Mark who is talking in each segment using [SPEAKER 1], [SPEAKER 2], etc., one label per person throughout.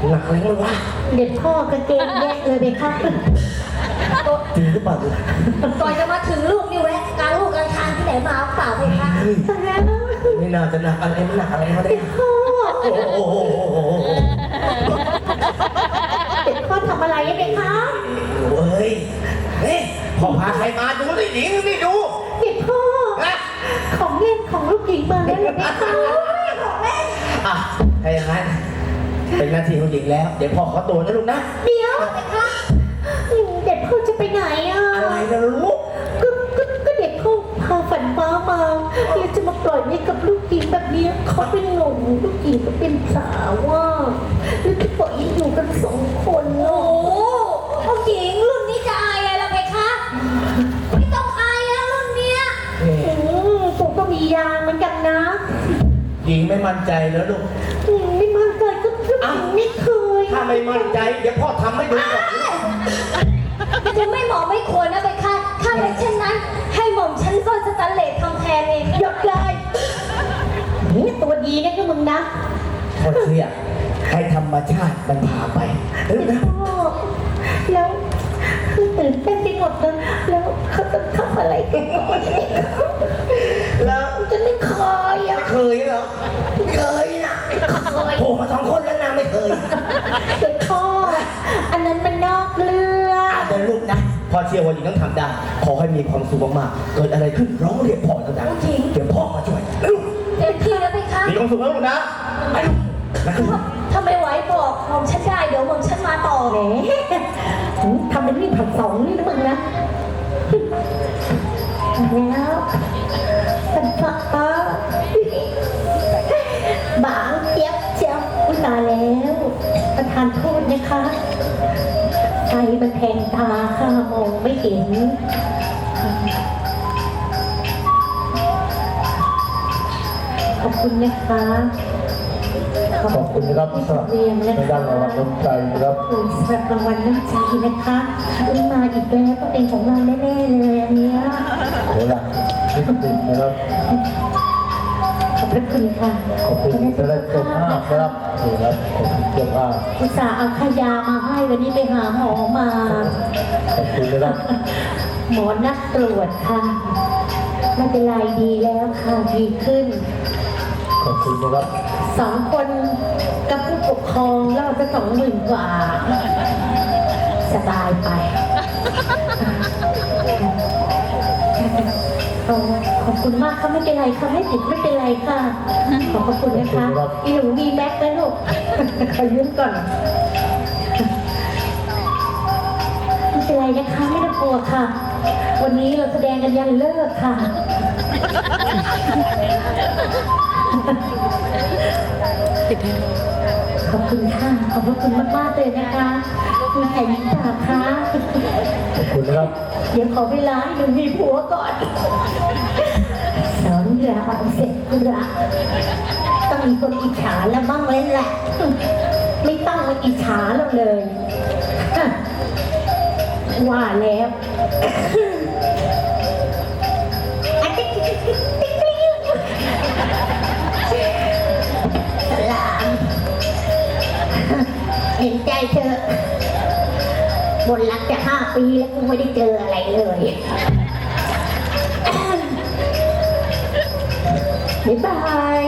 [SPEAKER 1] หนักอะไรกันวะ
[SPEAKER 2] เด็ดพ่อกางเกงแยกเลยเด็กครับ
[SPEAKER 1] จริงหรือเปล่าลูก
[SPEAKER 3] ก่อนจะมาถึงลูกนี่แวะกลางลูกกลางทางที่ไหนมาเปล่าเลยคะ
[SPEAKER 1] เฮ้ย
[SPEAKER 2] ตายแล้ว
[SPEAKER 1] ไม่น่าจะหนักอะไรไม่หนักอะไรเขาได้
[SPEAKER 2] เด็ดพ่อ
[SPEAKER 1] โอ้โห
[SPEAKER 2] เด็ดพ่อทำอะไรอะเด็กคะ
[SPEAKER 1] เฮ้ยนี่พ่อพาใครมาดูสิหญิงนี่ดู
[SPEAKER 2] เด็ดพ่อ
[SPEAKER 1] นะ
[SPEAKER 2] ของเล่นของลูกหญิงมาแล้วเหรอเด็กคะ
[SPEAKER 1] อ่ะถ้าอย่างนั้นเป็นหน้าที่ของหญิงแล้ว เดี๋ยวพ่อขอตัวนะลูกนะ
[SPEAKER 2] เดี๋ยวเด็กคะเด็ดพ่อจะไปไหนอ่ะ
[SPEAKER 1] อะไรนะลูก
[SPEAKER 2] ก็เด็กพ่อพาฝันฟ้ามาแล้วจะมาปล่อยไว้กับลูกหญิงแบบนี้เขาเป็นหนุ่มลูกหญิงก็เป็นสาวว่าแล้วจะปล่อยให้อยู่กันสองคน
[SPEAKER 3] โอ้
[SPEAKER 2] เนาะ
[SPEAKER 3] โหผู้หญิงรุ่นนี้จะอายอะไรล่ะเพคะ ไม่ต้องอายแล้วรุ่นเนี้ย
[SPEAKER 2] ผมก็มียางเหมือนกันนะ
[SPEAKER 1] หญิงไม่มั่นใจแล้วลูก
[SPEAKER 2] ไม่มั่นใจก็ไม่เคย
[SPEAKER 1] ถ้าไม่มั่นใจเดี๋ยวพ่อทำให้ดูก่อน
[SPEAKER 3] จะไม่เหมาะไม่ควรนะเพคะถ้าเป็นเช่นนั้น ให้หม่อมฉันก็สแตนเลสทำแทนเอง
[SPEAKER 2] หยดเลยนี่ตัวดีนะก็มึงนะ
[SPEAKER 1] พ่อเชื่อให้ธรรมชาติมันพาไปเออนะ
[SPEAKER 2] พ่อแล้วตื่นเต้นไปหมดเลยแล้วเขาจะทำอะไรกัน
[SPEAKER 1] แล้ว
[SPEAKER 2] จะไม่เคยอ่ะ
[SPEAKER 1] เคยเหรอไม่เคยนะโผล่มาสองคนแล้วนะไม่เคย
[SPEAKER 2] เด็กพ่ออันนั้นมันนอกเรื่อง
[SPEAKER 1] เดี๋ยวลูกนะพ่อเชื่อว่าหญิงต้องทำได้ขอให้มีความสุขมากๆเกิดอะไรขึ้นร้องเรียกพ่อดังๆเดี๋ยวพ่อมาช่วยลูก
[SPEAKER 3] เต็มที่แล้วเพคะ
[SPEAKER 1] มีความสุขแล้วลูกนะไปลูกนะลูก
[SPEAKER 3] ถ้าไม่ไหวบอกหม่อมฉันได้เดี๋ยวหม่อมฉันมาต่อ
[SPEAKER 2] แหมทำเป็นวิ่งผัดสองนี่นะมึงนะแล้วสันฟ้าบางเจี๊ยบเจี๊ยบอุยตายแล้วประทานโทษนะคะใจมันแทงตาค่ะมองไม่เห็นขอบคุณนะคะ
[SPEAKER 4] ขอบคุณนะครับสำหรับในด้านรางวัลน้ำใจนะครับ
[SPEAKER 2] ขอบคุณสำหรับรางวัลน้ำใจนะคะมาอีกแล้วก็เป็นของเราแน่ๆเลยอันเนี้ย
[SPEAKER 4] โหลักนิดหนึ่งนะครับ
[SPEAKER 2] ขอบพระคุณค่ะ
[SPEAKER 4] ขอบคุณที่ได้เจ้าภาพนะครับนี่ครับขอบคุณเจ้าภาพ
[SPEAKER 2] อุตส่าห์เอาขยามาให้วันนี้ไปหาหมอมา
[SPEAKER 4] ขอบคุณนะครับ
[SPEAKER 2] หมอนัดตรวจค่ะไม่เป็นไรดีแล้วค่ะดีขึ้น
[SPEAKER 4] ขอบคุณนะครับ
[SPEAKER 2] สองคนกับผู้ปกครองเราจะ20,000 กว่า สบายไปขอบคุณมากค่ะไม่เป็นไรค่ะไม่ติดไม่เป็นไรค่ะ ขอบพระคุณนะคะอีหนูมีแม็กซ์ไหมลูก ขอยืมก่อนไม่เป็นไรนะคะไม่ต้องกลัวค่ะ วันนี้เราแสดงกันยันเลิกค่ะ ขอบคุณค่ะ ขอบพระคุณมากๆเลยนะคะคุณแข่งตาค่ะ
[SPEAKER 4] ขอบคุณนะครับ
[SPEAKER 2] เดี๋ยวขอเวลาให้หนูมีผัวก่อนสอนรามเสร็จละต้องมีคนอิจฉาแล้วบ้างเลยแหละ ไม่ต้องมาอิจฉาเราเลยฮะว่าแล้วสลามเห็นใจเธอบนรักจะ5 ปีแล้วกูไม่ได้เจออะไรเลยบ๊ายบาย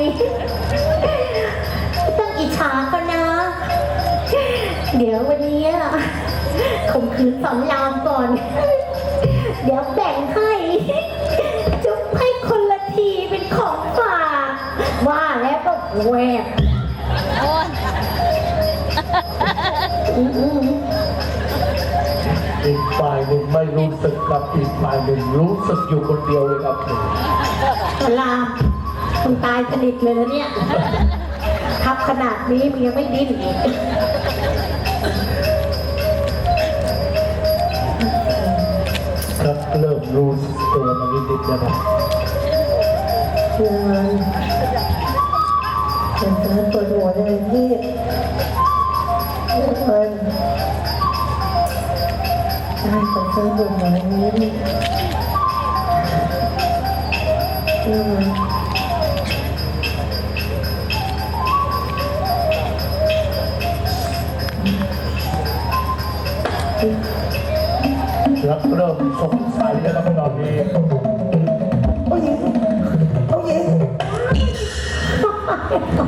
[SPEAKER 2] ต้องอิจฉาเขานะ เดี๋ยววันนี้ข่มขืนสอนรามก่อน เดี๋ยวแบ่งให้จุ๊บให้คนละทีเป็นของฝากว่าแล้วก็แหวก
[SPEAKER 4] อีกฝ่ายหนึ่งไม่รู้สึกกับอีกฝ่ายหนึ่งรู้สึกอยู่คนเดียวเลยครับ
[SPEAKER 2] สลามคุณตายสนิทเลยนะเนี่ยทับขนาดนี้มึงยังไม่ดิ้นอีก
[SPEAKER 4] ครับเริ่มรู้สึกตัวมานิดๆนะครับ
[SPEAKER 2] เพื่อนปวดหัวเลยพี่เพื่อนได้ขอเชิญบนหน่อยนี้เพื่อน
[SPEAKER 4] ครับเริ่มสงสัยแล้วครับตอนนี้
[SPEAKER 1] ผู้หญิงผู้หญิง